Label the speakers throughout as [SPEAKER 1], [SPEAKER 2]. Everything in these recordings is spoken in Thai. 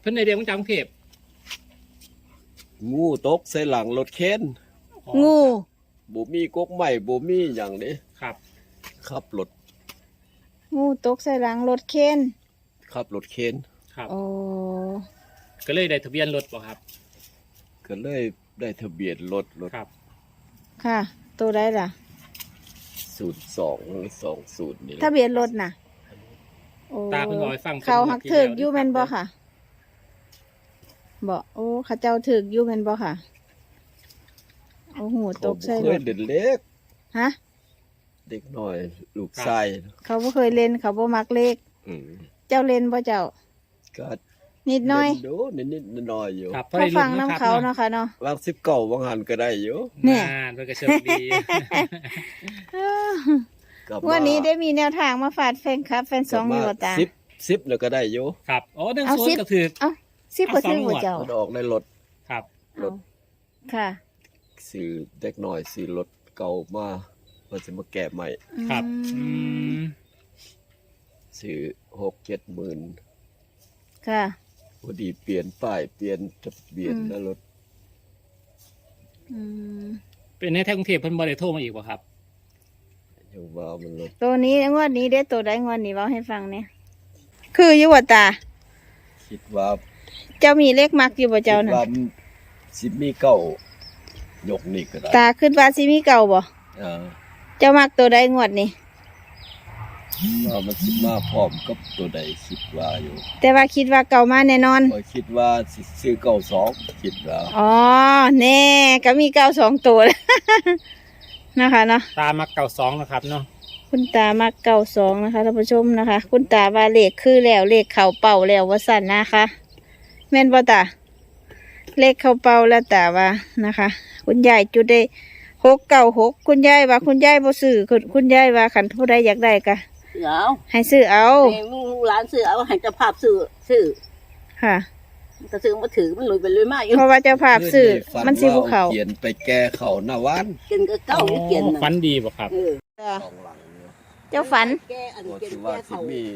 [SPEAKER 1] พิ่นในเดียวของจังเทพ
[SPEAKER 2] งูตกใส่หลังรถเข็น
[SPEAKER 3] งู
[SPEAKER 2] บ่มีกกใหม่บ่มีหยังนี้
[SPEAKER 1] ครับ
[SPEAKER 2] ขับรถ
[SPEAKER 3] งูตกใส่หลังรถเข็น
[SPEAKER 2] ขับรถเข็น
[SPEAKER 1] ครับ
[SPEAKER 3] โอ้
[SPEAKER 1] ก็เลยได้ทะเบียนรถบ่ครับ
[SPEAKER 2] ก็เลยได้ทะเบียนรถ
[SPEAKER 1] ครับ
[SPEAKER 3] ค่ะตัวใดล่ะ
[SPEAKER 2] 0220นี่
[SPEAKER 3] ทะเบียนรถน่ะโอ้
[SPEAKER 1] ตาเพิ่นบอกให้ฟัง
[SPEAKER 3] เขาหักถึกอยู่แม่นบ่ค่ะบ่โอ้เขาเจ้าถึกอยู่แม่นบ่ค่ะโอ้โหตกใส่รถ
[SPEAKER 2] เด็กเล็ก
[SPEAKER 3] ฮะ
[SPEAKER 2] เด็กน้อยลูกชาย
[SPEAKER 3] เขาบ่เคยเล่นเขาบ่มักเลขเจ้าเล่นบ่เจ้า
[SPEAKER 2] ก็
[SPEAKER 3] นิดหน่อย
[SPEAKER 2] ดูนิดๆน้อยๆอยู่
[SPEAKER 3] เขาฟังน้ำเขาเนาะค่ะเนาะ
[SPEAKER 2] วาง19วางหันก็ได้อยู่
[SPEAKER 3] เนี่ย
[SPEAKER 1] เพิ่นก็โชคดี
[SPEAKER 3] วันนี้ได้มีแนวทางมาฝากแฟนคลับแฟนสองอยู่ตา
[SPEAKER 2] 10แล้วก็ได้อยู่
[SPEAKER 1] ครับอ๋อ1-0ก็ถือ
[SPEAKER 3] เอ้า10ก็ถือบ่เจ้า
[SPEAKER 2] มันออกในรถ
[SPEAKER 1] ครับ
[SPEAKER 2] รถ
[SPEAKER 3] ค่ะ
[SPEAKER 2] ซื้อเด็กน้อยซื้อรถเก่ามาเพิ่นสิมาแก้ใหม่
[SPEAKER 1] ครับ
[SPEAKER 2] ซื้อ6-7 หมื่น
[SPEAKER 3] ค่ะ
[SPEAKER 2] พอดีเปลี่ยนป้ายเปลี่ยนทะเบียนแล้วรถ
[SPEAKER 1] เป็นในแท้กรุงเทพเพิ่นบ่ได้โทรมาอีกบ่ครับ
[SPEAKER 2] ยังว่ามันรถ
[SPEAKER 3] ตัวนี้งวดนี้ได้ตัวใดงวดนี้เว้าให้ฟังเนี่ยคืออยู่บ่ตา
[SPEAKER 2] คิดว่า
[SPEAKER 3] เจ้ามีเลขมักอยู่บ่เจ้าน่ะ
[SPEAKER 2] คิดว่าสิมีเก่ายกนี่ก็ได้
[SPEAKER 3] ตาคิดว่าสิมีเก่าบ่เจ้ามักตัวใดงวดนี้
[SPEAKER 2] ว่ามันสิมาพร้อมกับตัวใดคิดว่าอยู่
[SPEAKER 3] แต่ว่าคิดว่าเก่ามาแน่นอน
[SPEAKER 2] ก็คิดว่าสิซื้อ92คิดว่า
[SPEAKER 3] อ๋อแน่ก็มีเก่า2ตัวนะคะเนาะ
[SPEAKER 1] ตามัก92นะครับเนาะ
[SPEAKER 3] คุณตามัก92นะคะท่านผู้ชมนะคะคุณตาว่าเลขคือแล้วเลขเข้าเป้าแล้วว่าซั่นนะคะแม่นบ่ตาเลขเข้าเป้าแล้วตาว่านะคะคุณยายจุดได้696คุณยายว่าคุณยายบ่ซื้อคุณยายว่าคันผู้ใดอยากได้ก็
[SPEAKER 4] เอา
[SPEAKER 3] ให้ซื้อเอา
[SPEAKER 4] ให้ลูกหลานซื้อเอาให้เจ้าภาพซื้อ
[SPEAKER 3] ค่ะ
[SPEAKER 4] ก็ซื้อมาถือมันลุยไปลุยมาอยู่
[SPEAKER 3] เพราะว่าเจ้าภาพซื้อมันสิภูเขา
[SPEAKER 2] เขียนไปแก้เขาหน้าวัน
[SPEAKER 4] เกินก็เก้าเกิน
[SPEAKER 1] ฝันดีบ่ครับ
[SPEAKER 3] เจ้าฝัน
[SPEAKER 4] แก้อันเกิน
[SPEAKER 2] ว่า
[SPEAKER 4] แก้เขา
[SPEAKER 2] มี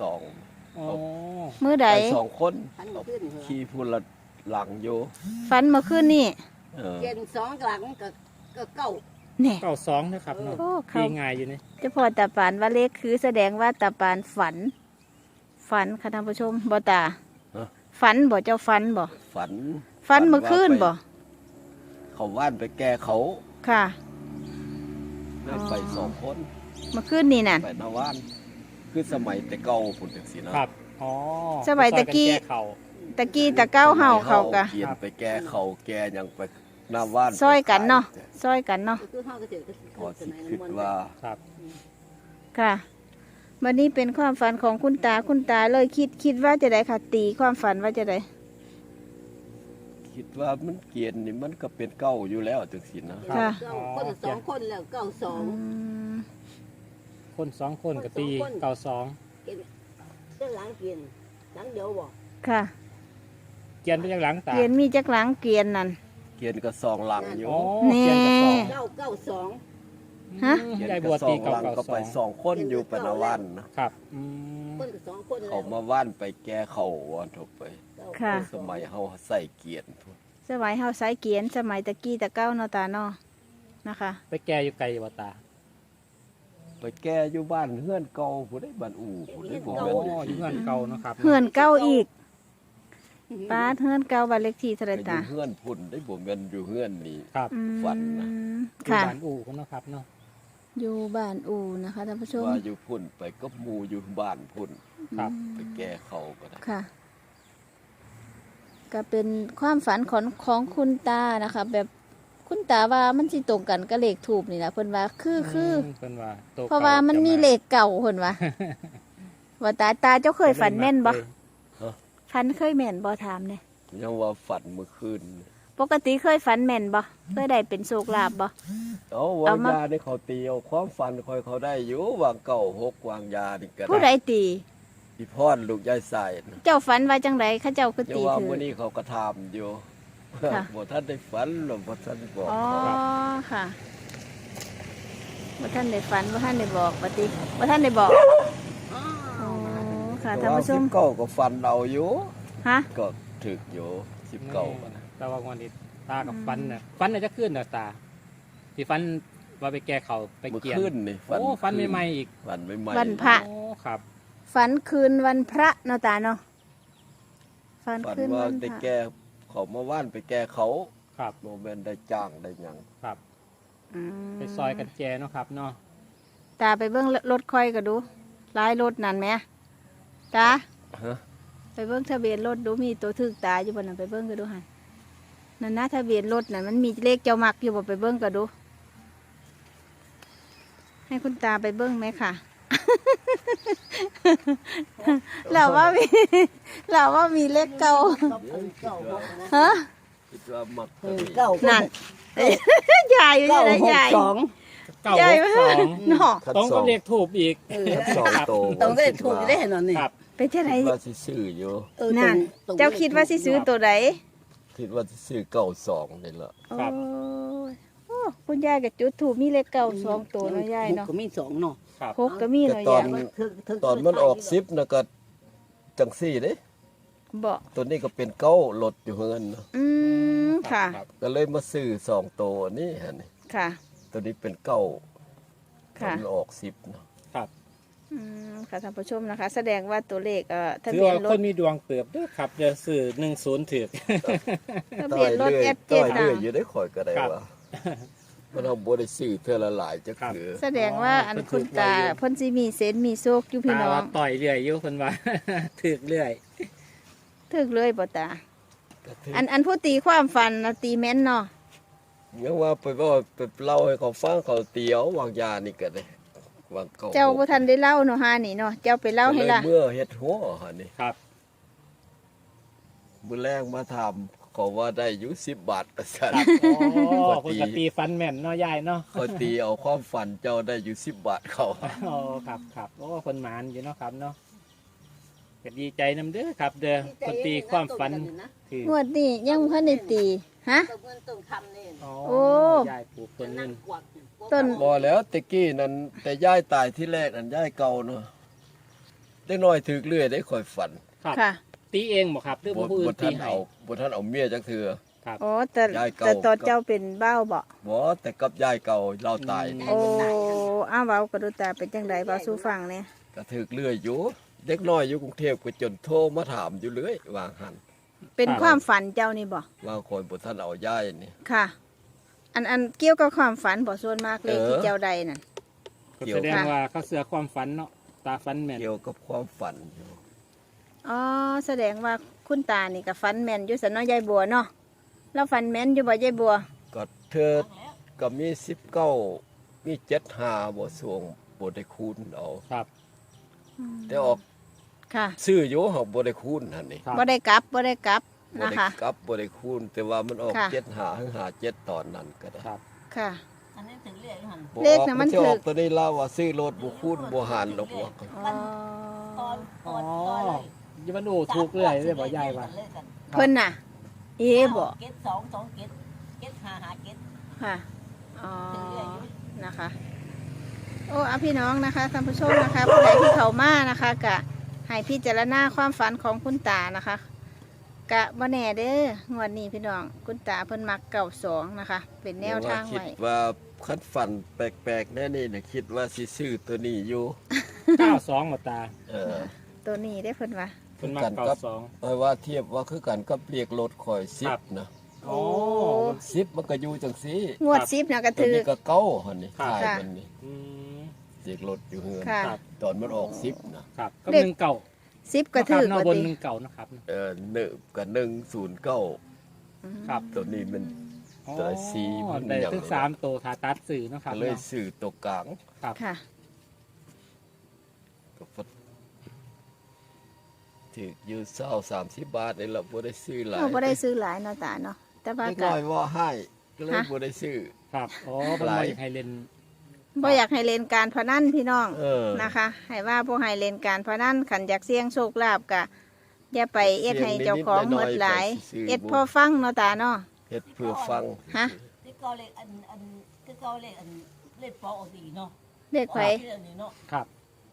[SPEAKER 3] มื้อใด
[SPEAKER 2] 2คนขี่พูละหลังอยู่
[SPEAKER 3] ฝันเมื่อคืนนี้
[SPEAKER 4] เกิน2หลังก็เก้า
[SPEAKER 3] เนี่ย
[SPEAKER 1] 92นะครับเนาะดีง่ายอยู่นี่
[SPEAKER 3] เจ้าพ่อตาปานว่าเลขคือแสดงว่าตาปานฝันค่ะท่านผู้ชมบ่ตาฝันบ่เจ้าฝันบ่ฝันเมื่อคืนบ่
[SPEAKER 2] เขาว่านไปแก้เขา
[SPEAKER 3] ค่ะ
[SPEAKER 2] ไป2คน
[SPEAKER 3] เมื่อคืนนี่น่ะ
[SPEAKER 2] ไปหน้าว่านคือสมัยแต่เก่าพุ่นจังซี่นะครับ
[SPEAKER 1] อ๋อ
[SPEAKER 3] สมัยตะกี้ตะเก้าเฮาเขากะ
[SPEAKER 2] เขียนไปแก้เขาแก้หยังไปหน้าว่าน
[SPEAKER 3] ซอยกันเนาะซอยกันเนาะ
[SPEAKER 2] พอสิคิดว่า
[SPEAKER 1] ครับ
[SPEAKER 3] ค่ะวันนี้เป็นความฝันของคุณตาเลยคิดว่าจะได้ค่ะตีความฝันว่าจะได้
[SPEAKER 2] คิดว่ามันเกียนนี่มันก็เป็นเก้าอยู่แล้วจังซี่นะ
[SPEAKER 3] ค่ะ
[SPEAKER 4] คน2คนแล้ว92
[SPEAKER 1] คน2คนก็ตี92
[SPEAKER 4] เจ้าหลังเกียนหลังเดียวบ่
[SPEAKER 3] ค่ะ
[SPEAKER 1] เกียนไปจากหลังตา
[SPEAKER 3] เกียนมีจักหลังเกียนนั่น
[SPEAKER 2] เกียนก็2หลังอยู่
[SPEAKER 3] นี่
[SPEAKER 4] 992
[SPEAKER 3] ฮะ
[SPEAKER 1] ยายบัวตี
[SPEAKER 2] 992ก็ไป2คนอยู่ปนวันนะครับ
[SPEAKER 4] คนก็2คน
[SPEAKER 2] เขามาว่านไปแก้เขาวันทั่วไป
[SPEAKER 3] ค่ะ
[SPEAKER 2] สมัยเฮาใส่เกียน
[SPEAKER 3] สมัยเฮาใส่เกียนสมัยตะกี้ตะเก้าเนาะตาเนาะนะคะ
[SPEAKER 1] ไปแก้อยู่ไกลบ่ตา
[SPEAKER 2] ไปแก้อยู่บ้านเฮือนเก่าผู้ใดบ้านอู่ผู้ใดบ่แม่น
[SPEAKER 1] อยู่เฮือนเก่าเนาะครับ
[SPEAKER 3] เฮือนเก่าอีกป้าเฮือนเก่าบ้านเลขที่เท่าไหร่ตา
[SPEAKER 2] เฮือนพุ่นได้บ่แม่นอยู่เฮือนนี่
[SPEAKER 1] ครับ
[SPEAKER 2] ฝันนะ
[SPEAKER 3] ค่ะ
[SPEAKER 1] บ้านอู่เนาะครับเนาะ
[SPEAKER 3] อยู่บ้านอู่นะคะท่านผู้ชม
[SPEAKER 2] ว่าอยู่พุ่นไปกับหมู่อยู่บ้านพุ่น
[SPEAKER 1] ครับ
[SPEAKER 2] ไปแก้เขาก็ได้
[SPEAKER 3] ค่ะก็เป็นความฝันของคุณตานะคะแบบคุณตาว่ามันสิตรงกันกับเลขทูปนี่นะเพิ่นว่าคือเ
[SPEAKER 1] พิ่นว่า
[SPEAKER 3] เพราะว่ามันมีเลขเก่าเพิ่นว่าว่าตาเจ้าเคยฝันแม่นบ่ฝันเคยแม่นบ่ถามเนี่ย
[SPEAKER 2] ยังว่าฝันเมื่อคืน
[SPEAKER 3] ปกติเคยฝันแม่นบ่เคยได้เป็นโชคลาภบ่
[SPEAKER 2] วางยาได้เขาตีเอาความฝันคอยเขาได้อยู่วางเก่า6วางยานี่ก็ได้
[SPEAKER 3] ผู้ใดตี
[SPEAKER 2] พี่พรลูกยายสาย
[SPEAKER 3] เจ้าฝันว่าจังไดเขาเจ้าคือตี
[SPEAKER 2] ถือว่ามื้อนี้เขาก็ถามอยู่บ่ทันได้ฝันหรอกบ่ทันบอก
[SPEAKER 3] อ๋อค่ะบ่ทันได้ฝันบ่ทันได้บอกปฏิบ่ทันได้บอกอ๋อค่ะท่านผู้ชม
[SPEAKER 2] ก็ฝันเอาอยู่
[SPEAKER 3] ฮะ
[SPEAKER 2] ก็ถึกอยู่19
[SPEAKER 1] แต่ว่าวันนี้ตากับฟันน่ะฟันน่ะจะขึ้นน่ะตาที่ฟันว่าไปแก้เขาไป
[SPEAKER 2] เมื่อ
[SPEAKER 1] เกี่ยน
[SPEAKER 2] คืนนี่
[SPEAKER 1] โอ้ฟันใหม่ๆอีก
[SPEAKER 2] ฝันใหม่ๆ
[SPEAKER 3] วันพระ
[SPEAKER 1] โอ้ครับ
[SPEAKER 3] ฝันคืนวันพระเนาะตาเนาะฝัน
[SPEAKER 2] ฝัน
[SPEAKER 3] คืน
[SPEAKER 2] ว่า
[SPEAKER 3] วันพ
[SPEAKER 2] ได้
[SPEAKER 3] ระ
[SPEAKER 2] แก้เขามาว่านไปแก้เขา
[SPEAKER 1] ครับ
[SPEAKER 2] โมเมนได้จ้างได้หยัง
[SPEAKER 1] ครับ
[SPEAKER 3] อืม
[SPEAKER 1] ไปซอยกันแจเนาะครับเนาะ
[SPEAKER 3] ตาไปเบิ่งรถค่อยก็ดูหลายรถนั่นไหมตา
[SPEAKER 2] ฮะ
[SPEAKER 3] ไปเบิ่งทะเบียนรถดูมีตัวถึกตาอยู่บนนั้นไปเบิ่งก็ดูหันนั่นนะทะเบียนรถนั่นมันมีเลขเจ้ามักอยู่บ่ไปเบิ่งก็ดู ให้คุณตาไปเบิ่งไหมค่ะ เราว่ามี เราว่ามีเลขเก่า
[SPEAKER 4] เก้าหกนะ
[SPEAKER 3] ฮะ
[SPEAKER 2] คิดว่ามักตัวนี้
[SPEAKER 4] เก้า
[SPEAKER 3] นั่น ยายอยู่
[SPEAKER 4] เก้า
[SPEAKER 3] ที่ไหน
[SPEAKER 4] หก
[SPEAKER 3] ยาย
[SPEAKER 4] สอง
[SPEAKER 1] เก้าย
[SPEAKER 3] าย
[SPEAKER 1] หกสอง
[SPEAKER 3] เนาะ
[SPEAKER 2] คัด
[SPEAKER 1] ต้อง
[SPEAKER 2] สอ
[SPEAKER 1] ก็
[SPEAKER 2] ง
[SPEAKER 1] เรียกถูกอีก
[SPEAKER 2] คัดสองโต
[SPEAKER 4] ต้องได้ถูกได้หน่อยนี่
[SPEAKER 1] ครับ
[SPEAKER 3] ไปที่ไหน
[SPEAKER 2] คิดว่าสิซื้ออยู่
[SPEAKER 3] นั่น เจ้าคิดว่าสิซื้อตัวไหน
[SPEAKER 2] คิดว่าสิซื้อ92นี่ล่ะ
[SPEAKER 3] โอ้ยโอ้คุณยายกับจุดถูกมีเลขเก่าสองตัวเนาะยายเนาะ
[SPEAKER 4] ก็มีสองเนาะ
[SPEAKER 1] ครับ
[SPEAKER 3] หกก็มี
[SPEAKER 2] แต่
[SPEAKER 3] เนาะ
[SPEAKER 2] ตอย
[SPEAKER 3] าน ย
[SPEAKER 2] ตอนมันออก10น่ะก็จังซี่เด้
[SPEAKER 3] บอก
[SPEAKER 2] ตัวนี้ก็เป็นเก้าลดอยู่เฮือนเนาะ
[SPEAKER 3] อืมค่ะ
[SPEAKER 1] รับ
[SPEAKER 2] ก็เลยมาซื้อ2ตัวนี่ฮะนี่
[SPEAKER 3] ค่ะ
[SPEAKER 2] ตัวนี้เป็นเก้าตอน
[SPEAKER 3] ค่ะ
[SPEAKER 2] มันออก10เนาะ
[SPEAKER 1] ครับ
[SPEAKER 3] อืมค่ะท่านผู้ชมนะคะ แสดงว่าตัวเลขทะ
[SPEAKER 1] ถือ
[SPEAKER 3] เบียน
[SPEAKER 1] ว่าร ค
[SPEAKER 3] ถ
[SPEAKER 1] นมีดวงเติบเด้วยครับจะซื้อ10ถือ
[SPEAKER 3] ทะเบียนรถแอดเจ็
[SPEAKER 2] ต้
[SPEAKER 3] ด
[SPEAKER 2] อย
[SPEAKER 3] นะ
[SPEAKER 2] เรื่อยอยู่ได้ข่อยก็ได้
[SPEAKER 1] ครับ
[SPEAKER 2] ว่ามันเอาบ่ได้ซื้อเทื่อละหลายจัก
[SPEAKER 1] ครับ
[SPEAKER 2] คือ
[SPEAKER 3] แสดงว่าอันคุณตา
[SPEAKER 1] เพิ่นถูกไว้เยอะ
[SPEAKER 3] เพ่นสิมีเซนส์มีโชคอยู่พี่
[SPEAKER 1] ตา
[SPEAKER 3] น้อ
[SPEAKER 1] ว่าง ต่อยเรื่อยอยู่เพิ่นว่า ถือเรื่อย
[SPEAKER 3] ถึกเลยบ่ตา
[SPEAKER 2] ก็ถือ
[SPEAKER 3] อันผู้ตีความฝันนะตีแม่นเนาะ
[SPEAKER 2] ยังว่าไปว่าไปเล่าให้เขาฟังเขาเตียววางยานี่ก็ได้วางเก่า
[SPEAKER 3] เจ้าบ่ทันได้เล่าเนาะฮานี่เนาะเจ้าไปเล่าให้ล่ะ
[SPEAKER 2] ก็ยเมื่อเฮ็ดหัวหั่นนี่
[SPEAKER 1] ครับ
[SPEAKER 2] มื้อแรกมาถามเขาว่าได้อยู่10 บาทว่าซั่น
[SPEAKER 1] อ๋อ
[SPEAKER 2] ปก
[SPEAKER 1] ป
[SPEAKER 2] ติ
[SPEAKER 1] กติฟันแม่นเนาะยายเนาะ
[SPEAKER 2] เขาตีเอาความฝันเจ้าได้อยู่10 บาทเขา
[SPEAKER 1] อ๋อครับครับโอ้คนหมานอยู่เนาะครับเนาะก็ดีใจนำเด้อครับ เด้อคนตีความฝันถือง
[SPEAKER 3] วดนี้ยังบ่ทันได้ตีฮะ
[SPEAKER 4] ต้นเงินต้นคำนี่
[SPEAKER 1] อ๋อ
[SPEAKER 3] โอ้
[SPEAKER 1] ยายปลูกต้นเงิน
[SPEAKER 4] กวัก
[SPEAKER 3] ต้น
[SPEAKER 2] บ่แล้วตะกี้นั้นแต่ยายตายที่แรกนั้นยายเก่าเนาะเด็กน้อยถึกเรื่อยได้ค่อยฝัน
[SPEAKER 1] ครับ
[SPEAKER 3] ค่ะ
[SPEAKER 1] ตีเองบ่ครับหรือว่าผู้อื่นตี
[SPEAKER 2] ท่าน
[SPEAKER 1] ให้
[SPEAKER 2] เอาบ่ท่านเอาเมียจักเทื่อ
[SPEAKER 1] ครับ
[SPEAKER 3] อ๋อแต่
[SPEAKER 2] ยายเก่า
[SPEAKER 3] แต่ตอนเจ้าเป็นเบ้าบ่
[SPEAKER 2] บ่แต่กับยายเก่าเราตายนี่
[SPEAKER 3] โอ้อ้าวเว้ากระดูตาเป็นจังไดเว้าสู่ฟังเนี่ย
[SPEAKER 2] ก็ถึกเรื่อยอยู่เด็กน้อยอยู่กรุงเทพก็จนโทรมาถามอยู่เรื่อยวางหัน
[SPEAKER 3] เป็นความฝันเจ้านี่บ่
[SPEAKER 2] ว่าคนบ่ท่านเอายายนี่
[SPEAKER 3] ค่ะ อันเกี่ยวกับความฝันบ่ส่วนมากเลขที่เจ้าใดนั่น
[SPEAKER 1] ก็แสดงว่าเขาเสือความฝันเนาะตาฝันแม่น
[SPEAKER 2] เกี่ยวกับความฝันอยู่
[SPEAKER 3] อ๋อแสดงว่าคุณตานี่ก็ฝันแม่นอยู่สันเนาะยายบัวเนาะแล้วฝันแม่นอยู่บ่ยายบัว
[SPEAKER 2] ก็เธอก็มี19มี75บ่สวงบ่ได้คูณเอา
[SPEAKER 1] ครับ
[SPEAKER 2] แต่ออก
[SPEAKER 3] ค่ะ
[SPEAKER 2] ซื้ออยู่เฮาบ่ได้คูณหั่นนี่
[SPEAKER 1] ครับ
[SPEAKER 3] บ่ได้กลับบ่ได้กลับ
[SPEAKER 2] บ่
[SPEAKER 3] นะ
[SPEAKER 2] ได้
[SPEAKER 3] คะ
[SPEAKER 2] กลับบ่ได้คูณแต่ว่ามันออก
[SPEAKER 3] ค่ะ
[SPEAKER 2] 75ถึง57ตอนนั้นก็ได้
[SPEAKER 1] ครับ
[SPEAKER 3] ค่ะ
[SPEAKER 4] อันนี้ถึงเรียกหัน
[SPEAKER 2] บ่
[SPEAKER 3] เลขน่ะมัน
[SPEAKER 2] สิออก
[SPEAKER 3] ถูก
[SPEAKER 2] ตัวนี้เล่าว่าซื้อรถบ่คูณบ่หารดอกว่า
[SPEAKER 3] อ๋อ
[SPEAKER 4] ตอน
[SPEAKER 1] อ๋อ
[SPEAKER 4] ตอนเลย
[SPEAKER 1] อยังมันดูถูกเรื่อยเลยบ่ยายว่า
[SPEAKER 3] เพิ่นน่ะ เอ๋บ่
[SPEAKER 4] เก็ตสองเก็ตเก็ตหาเก็ต
[SPEAKER 3] ค่ะอ๋อ
[SPEAKER 4] ถึงเรื่อยอยู่
[SPEAKER 3] นะคะ โอ้อะพี่น้องนะคะท่านผู้ชมนะคะผู้ใดที่เข้ามานะคะกะให้พิจารณาความฝันของคุณตานะคะกะบ่แน่เด้องวดนี้พี่น้องคุณตาเพิ่นมัก92นะคะ เป็นแนวทาง
[SPEAKER 2] คิด
[SPEAKER 3] ไว้
[SPEAKER 2] ว่าคันฝันแปลกๆแน่นี่น่ะคิดว่าสิซื้อตัวนี้อยู่
[SPEAKER 1] 92บ่ตา
[SPEAKER 2] เออ
[SPEAKER 3] ตัวนี้ได้เพิ่นว่า
[SPEAKER 1] เพิ่นมา
[SPEAKER 2] กันครับ
[SPEAKER 1] 92
[SPEAKER 2] เพราะว่าเทียบว่าคือกันกับเรียกรถข่อย
[SPEAKER 1] ครับ
[SPEAKER 2] 10นะ
[SPEAKER 1] โอ้
[SPEAKER 2] 10มันก็อยู่จังซี่
[SPEAKER 3] งวด10น่ะก็
[SPEAKER 2] ตัว
[SPEAKER 3] ถือ
[SPEAKER 2] นี้ก็เก้าหั่นนี่
[SPEAKER 1] ครับ
[SPEAKER 2] ขาย
[SPEAKER 3] ค่ะ
[SPEAKER 2] มันนี่
[SPEAKER 1] อืม
[SPEAKER 2] เรียกรถอยู่เฮือน
[SPEAKER 3] ค่ะ
[SPEAKER 1] ครับ
[SPEAKER 2] ตอนมันออก10นะครับ
[SPEAKER 1] ก็
[SPEAKER 3] เลข
[SPEAKER 1] หนึ่งเก่า
[SPEAKER 3] 10ก็ถือ
[SPEAKER 1] เนาะ
[SPEAKER 3] ว่า
[SPEAKER 1] บน
[SPEAKER 3] ติ
[SPEAKER 1] หนึ่งเก่านะครับ
[SPEAKER 2] เนึกับ109
[SPEAKER 1] ครับ
[SPEAKER 2] ตัวนี้มัน
[SPEAKER 1] อ๋อ
[SPEAKER 2] แต่สีมัน
[SPEAKER 1] ได้
[SPEAKER 2] อย่าง
[SPEAKER 1] ถึง3ตัวขาตัดสื่อเนาะครับ
[SPEAKER 2] ก็เลย
[SPEAKER 1] เนาะ
[SPEAKER 2] ซื้อตัวกลาง
[SPEAKER 1] ครับ
[SPEAKER 3] ค่ะ
[SPEAKER 2] ก็ฟัดถืออยู่20-30 บาทนี่ล่ะบ่ได้ซื้อหลาย
[SPEAKER 3] เราบ่ได้ซื้อหลายเนาะตาเนาะแต่ว่า
[SPEAKER 2] เล็ก
[SPEAKER 3] ก็
[SPEAKER 2] น้อยว่าให้ก็เลย
[SPEAKER 3] ฮะ
[SPEAKER 2] บ่ได้ซื้อ
[SPEAKER 1] ครับอ๋อเป็น
[SPEAKER 2] หลาย
[SPEAKER 1] มาอยากให้เล่น
[SPEAKER 3] บ่อยากให้เล่นการพนันพี่น้อง
[SPEAKER 2] เออ
[SPEAKER 3] นะคะให้ว่าบ่ให้เล่นการพนันขันอยากเสี่ยงโชคลาภกะอย่าไปเอ็ดให้เจ้าของหมดหลาย เอ็ดพอฟังเนาะตาเนาะ
[SPEAKER 2] เฮ็ดเพื่อฟัง
[SPEAKER 3] ฮะ
[SPEAKER 4] ที่เกาเลขอันที่เกาเลขอันเลขปอออกดีเนาะ
[SPEAKER 3] เด็กไผ
[SPEAKER 4] ที่อันนี้เนาะ
[SPEAKER 1] ครับ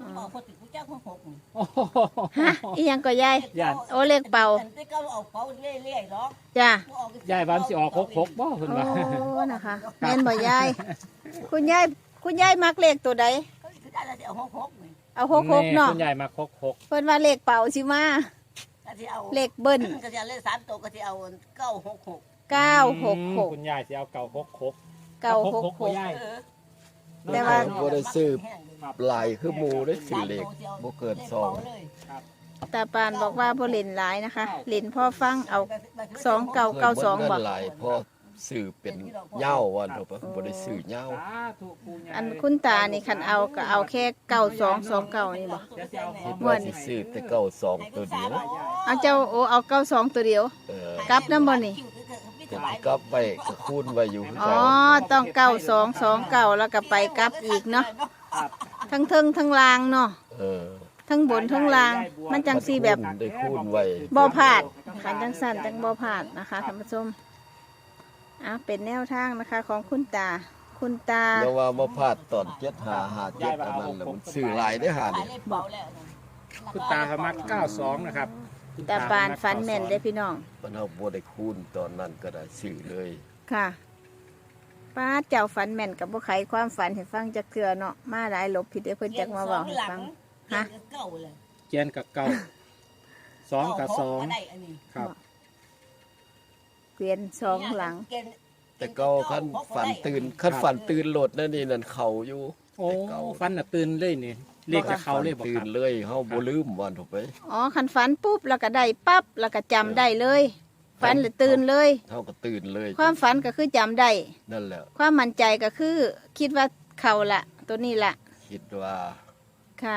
[SPEAKER 4] บอกคนติดกูจ้างคนหก
[SPEAKER 1] โอ้โห
[SPEAKER 3] ฮะอีหยังก็ยาย
[SPEAKER 1] ย่าน
[SPEAKER 3] โอ้เลขเป่า
[SPEAKER 4] แต่ก็เอาเป่าเรื่อยๆหรอก
[SPEAKER 3] จ้ะ
[SPEAKER 1] ยายบ้านสิออกหกบ่เพิ่น
[SPEAKER 3] โอ้
[SPEAKER 1] ว่า
[SPEAKER 3] นะคะแม่นบ่ยายคุณยายมักเลขตัวใด
[SPEAKER 4] ก็ได้แล้วเอาหกนี่
[SPEAKER 3] เอา66เนาะ
[SPEAKER 1] คุณยายมาหก
[SPEAKER 3] เพิ่นว่าเลขเป่าสิมา
[SPEAKER 4] ก็จะเอา
[SPEAKER 3] เลขเบิ้ล
[SPEAKER 4] ก็จะเล่น3ตัวก็จะเอา966
[SPEAKER 3] 966
[SPEAKER 1] คุณยายสิเอาเก่าหก
[SPEAKER 3] 966
[SPEAKER 1] ยาย
[SPEAKER 3] แต่ว่า
[SPEAKER 2] บ่ได้ซื้อหลายคือหมู่ได้ซื้อเลขบ่เกินสอง
[SPEAKER 3] ตาปานบอกว่าบ่เล่นหลายนะคะเล่นพ่อฟังเอา 2992
[SPEAKER 2] เงิ
[SPEAKER 3] บ่
[SPEAKER 2] นหลายพอซื้อเป็นเหย้าว่าเถอะบ่ได้ซื้อเหย้า
[SPEAKER 1] สาธุปู่ย่า
[SPEAKER 3] อันคุณตานี่คันเอาก็เอาแค่9229นี่บ่
[SPEAKER 1] เดี๋ยวสิเอาหอ
[SPEAKER 2] คิ
[SPEAKER 1] ม
[SPEAKER 2] ดว่าสิซื้อแต่เก้าสองตัวเดียว
[SPEAKER 3] เอาเจ้าโอ้เอา92ตัวเดียว กลับนำบ่นี่
[SPEAKER 2] แต่กลับไปก็คูณไว้อยู่คือ
[SPEAKER 3] อ๋อ
[SPEAKER 2] กัน
[SPEAKER 3] ต้อง9229แล้วก็ไปกลับอีกเนาะทั้งเทิงทั้งลางเนาะ
[SPEAKER 2] เออ
[SPEAKER 3] ทั้งบนทั้งลาง มันจังซี่แบบ
[SPEAKER 2] ได้คูณไว้
[SPEAKER 3] บ่พลาดขันจังสั่นจังบ่พลาดนะคะท่านผู้ชมเป็นแนวทางนะคะของคุณตา คุณตา
[SPEAKER 2] แล้วว่าบ่พลาดตอน7557อันนั้นแหละมันซื้อหลายได้อหานี่
[SPEAKER 1] คุณตาเขามัก92นะครับคุณ
[SPEAKER 3] ตาปานฟันแม่นได้อพี่น้อง
[SPEAKER 2] มันเอาบ่ได้คูณตอนนั้นก็ได้ซื้อเลย
[SPEAKER 3] ค่ะป้าเจ้าฝันแม่นกับบ่ไขความฝันให้ฟังจักเทื่อเนาะมาหลายหลบผิดเดี๋ยวเพิ่นจักมาเว้าให้ฟัง ฮะ
[SPEAKER 4] เก่าเลย
[SPEAKER 1] เกียนกับเก่า2กับ2
[SPEAKER 4] ได้อันนี้
[SPEAKER 1] ครับ
[SPEAKER 3] เกวียนสองหลัง
[SPEAKER 2] แต่เก็คันฝันตื่นโลดนั่นนี่นั่นเข้าอยู่
[SPEAKER 1] โอ้ฟันน่ะตื่นเลยนี่เรียกจะเข้าเลยบ่
[SPEAKER 2] ตื่
[SPEAKER 1] คน รับ
[SPEAKER 2] เลยเฮาบ่ลืมวันถูกไป
[SPEAKER 3] อ๋อคันฝันปุ๊บแล้วก็ได้ปั๊บแล้วก็จำได้เลยฝันหรือตื่นเลย
[SPEAKER 2] เฮาก็ตื่นเลย
[SPEAKER 3] ความฝันก็คือจำได้
[SPEAKER 2] นั่นแหละ
[SPEAKER 3] ความมั่นใจก็คือ คิดว่าเขาละตัวนี้ละ
[SPEAKER 2] คิดว่า
[SPEAKER 3] ค่ะ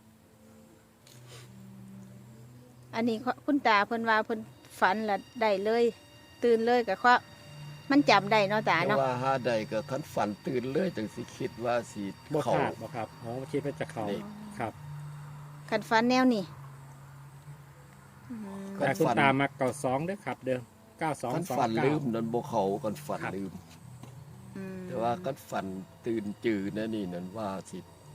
[SPEAKER 3] อันนี้คุณตาเพิ่นว่าเพิ่นฝันละได้เลย ตื่นเลยก็เพราะมันจำได้เนาะตา
[SPEAKER 2] แต่
[SPEAKER 3] เนาะ
[SPEAKER 2] ว่าหาใดก็คันฝันตื่นเลยจังสิคิดว่าสิ
[SPEAKER 1] บ่
[SPEAKER 2] เข้า
[SPEAKER 1] ขาดบ่ครับอ๋อคิดว่าจะเข้า
[SPEAKER 2] นี่
[SPEAKER 1] ครับ
[SPEAKER 3] คันฝันแนวนี้อืม
[SPEAKER 2] คั
[SPEAKER 1] แต่
[SPEAKER 2] น
[SPEAKER 1] คุณ
[SPEAKER 2] ฝัน
[SPEAKER 1] ตามัก92เด้อครับ เด้อ
[SPEAKER 2] คันฝันลืม
[SPEAKER 1] 9229
[SPEAKER 2] นั่นบ่เข้าคันฝัน
[SPEAKER 1] ครับ
[SPEAKER 2] ลืม
[SPEAKER 3] อืม
[SPEAKER 2] แต่ว่าคันฝันตื่นจือนั่นนี่นั่นว่าสิ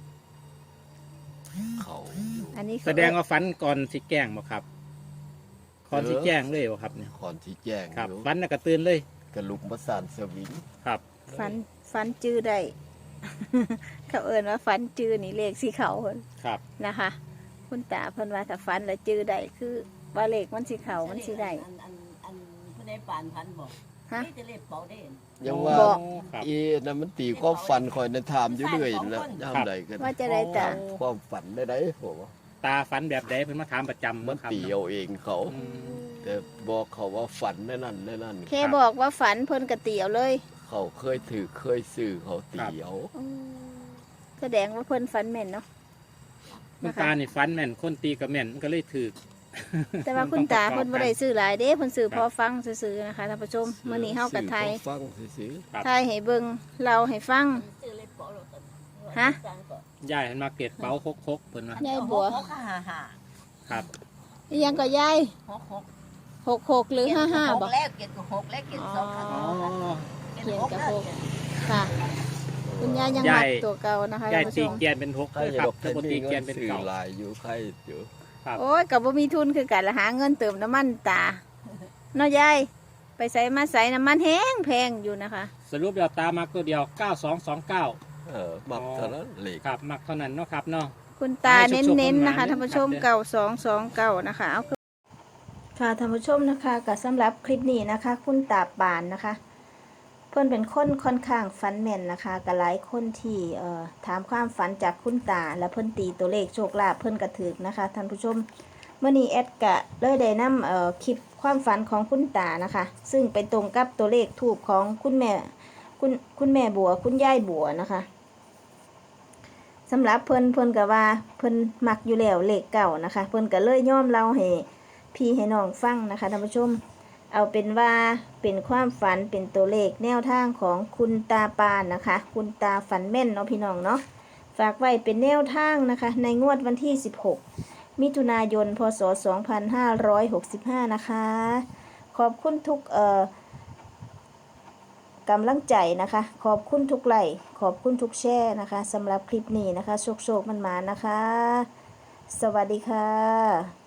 [SPEAKER 2] เข้าอยู่
[SPEAKER 3] อันนี้
[SPEAKER 1] แสดงว่าฝันก่อนสิแกล้งบ่ครับก่อนสิแจ้งเลยบ่ครับเนี่ย
[SPEAKER 2] ก่อนที่แจ้ง
[SPEAKER 1] ครับ
[SPEAKER 2] อยู่
[SPEAKER 1] ฝันน่ะก็ตื่นเลย
[SPEAKER 2] กระลุกประสานสวิง
[SPEAKER 1] ครับ
[SPEAKER 3] ฝันจื้อได้ เขาเอิ้นว่าฝันจื้อนี่เลขสีเขาเพิ่น
[SPEAKER 1] ครับ
[SPEAKER 3] นะคะ คุณตาเพิ่นว่าถ้าฝันแล้วจื้อได้คือว่าเลขมันสิเขามันสิได้
[SPEAKER 4] อันผู้ใดปานพันบอก
[SPEAKER 3] ฮะ
[SPEAKER 4] นี่จะเล่นเป่าได้
[SPEAKER 2] ยังว่า
[SPEAKER 3] บอก
[SPEAKER 1] ครับ
[SPEAKER 2] นั่นมันตีความฝันคอยในถามอยู่เรื่อยนั่นแหล้วย่ามใดกัน
[SPEAKER 3] ว่าจะได้ตา
[SPEAKER 2] ความฝันได้ผมว่า
[SPEAKER 1] ตาฝันแบบใดเพิ่นมาถามประจำ
[SPEAKER 2] มัน
[SPEAKER 1] ครับ
[SPEAKER 2] ตีเอาเองเขา
[SPEAKER 1] อืม
[SPEAKER 2] แต่บอกเขาว่าฝันแน่นั่นแน่นั่น
[SPEAKER 3] แค่บอกว่าฝันเพิ่นก็เตียวเลย
[SPEAKER 2] เขาเคยถือเคยซื้อเขาตีเอา
[SPEAKER 3] แสดงว่าเพิ่นฝันแม่นเนาะ
[SPEAKER 1] คุณตานี่ฝันแม่นคนตีก็แม่นมันก็เลยถูก
[SPEAKER 3] แต่ว่าคุณตาเพิ่นบ่ได้ซื้อหลายเด้เพิ่นซื้อพอฟังซื่อๆนะคะท่านผู้ชมมื้อนี้เฮากับไทย
[SPEAKER 2] ซื้อของฟังซื้อ
[SPEAKER 1] ครับ
[SPEAKER 3] ไทยให้เบิ่งเล่าให้ฟัง
[SPEAKER 4] ซื้อเล่นเป่าแล้วกัน
[SPEAKER 3] ฮะ
[SPEAKER 1] ยายเห็นมาเก็บเป๋าคกๆเพิ่นว่าย
[SPEAKER 3] ายบัว
[SPEAKER 4] หกห้าห้า
[SPEAKER 1] ครับ
[SPEAKER 3] อีหยังก็ยาย
[SPEAKER 4] 66
[SPEAKER 3] 66หรือ55บ่
[SPEAKER 4] แรกเก็บกับ6แรกเก็บสองครั้ง
[SPEAKER 1] อ๋อ
[SPEAKER 3] เขียนกับหก ค่ะ คุณยายยัง
[SPEAKER 1] ยา
[SPEAKER 3] มั
[SPEAKER 1] ย
[SPEAKER 3] กตัวเก่านะคะ
[SPEAKER 1] ยาย
[SPEAKER 3] ท่านผู้ช
[SPEAKER 1] ตี
[SPEAKER 3] ม
[SPEAKER 1] เกียนเป็น6
[SPEAKER 2] ๆใคร
[SPEAKER 1] เด้อ
[SPEAKER 2] จะ
[SPEAKER 1] ครับ
[SPEAKER 2] ดอก
[SPEAKER 1] ถ้าบ่
[SPEAKER 2] แต่
[SPEAKER 1] ตี
[SPEAKER 2] นี่
[SPEAKER 1] เกีย
[SPEAKER 2] เงิ
[SPEAKER 1] น
[SPEAKER 2] น
[SPEAKER 1] เป็น
[SPEAKER 2] ซื้อ
[SPEAKER 1] เก่า
[SPEAKER 2] หลายอยู่ใครอยู่
[SPEAKER 1] ครับ
[SPEAKER 3] โอ้ยก็บ่มีทุนคือกันละหาเงินเติมน้ำมันตาเนาะยายไปใส่มาใส่น้ำมันแห้งแพงอยู่นะคะ
[SPEAKER 1] สรุปแล้วตามักตัวเดียว9229
[SPEAKER 2] มักเท่านั้นเหล็ก
[SPEAKER 1] ครับมักเท่านั้นเนาะครับเนาะ
[SPEAKER 3] คุณตา
[SPEAKER 1] ให้
[SPEAKER 3] เ
[SPEAKER 1] สุขๆ
[SPEAKER 3] น้นๆ
[SPEAKER 1] หวานๆ
[SPEAKER 3] นะคะ
[SPEAKER 1] เด้อ
[SPEAKER 3] ท่านผู้ชม
[SPEAKER 1] ครับ
[SPEAKER 3] เก่า229นะคะเอาค่ะท่านผู้ชมนะคะก็สำหรับคลิปนี้นะคะ คุณตาปานนะคะ เพื่อนเป็นคนค่อนข้างฝันแม่นนะคะกับหลายคนที่ถามความฝันจากคุณตาและเพื่อนตีตัวเลขโชคลาภเพื่อนกระถือนะคะท่านผู้ชมเมื่อนี้แอดกะเลยได้นำคลิปความฝันของคุณตานะคะ ซึ่งไปตรงกับตัวเลขทูบของคุณแม่บัวคุณยายบัวนะคะสำหรับเพิ่นก็ว่าเพิ่นมักอยู่แล้วเลขเก่านะคะ เพิ่นก็เลยย่อมเล่าให้พี่ให้น้องฟังนะคะท่านผู้ชม เอาเป็นว่าเป็นความฝันเป็นตัวเลขแนวทางของคุณตาปานนะคะ คุณตาฝันแม่นเนาะพี่น้องเนาะฝากไว้เป็นแนวทางนะคะ ในงวดวันที่16มิถุนายนพศ2565นะคะขอบคุณทุกกำลังใจนะคะ ขอบคุณทุกไลค์ขอบคุณทุกแชร์นะคะสำหรับคลิปนี้นะคะโชคๆมันๆนะคะ สวัสดีค่ะ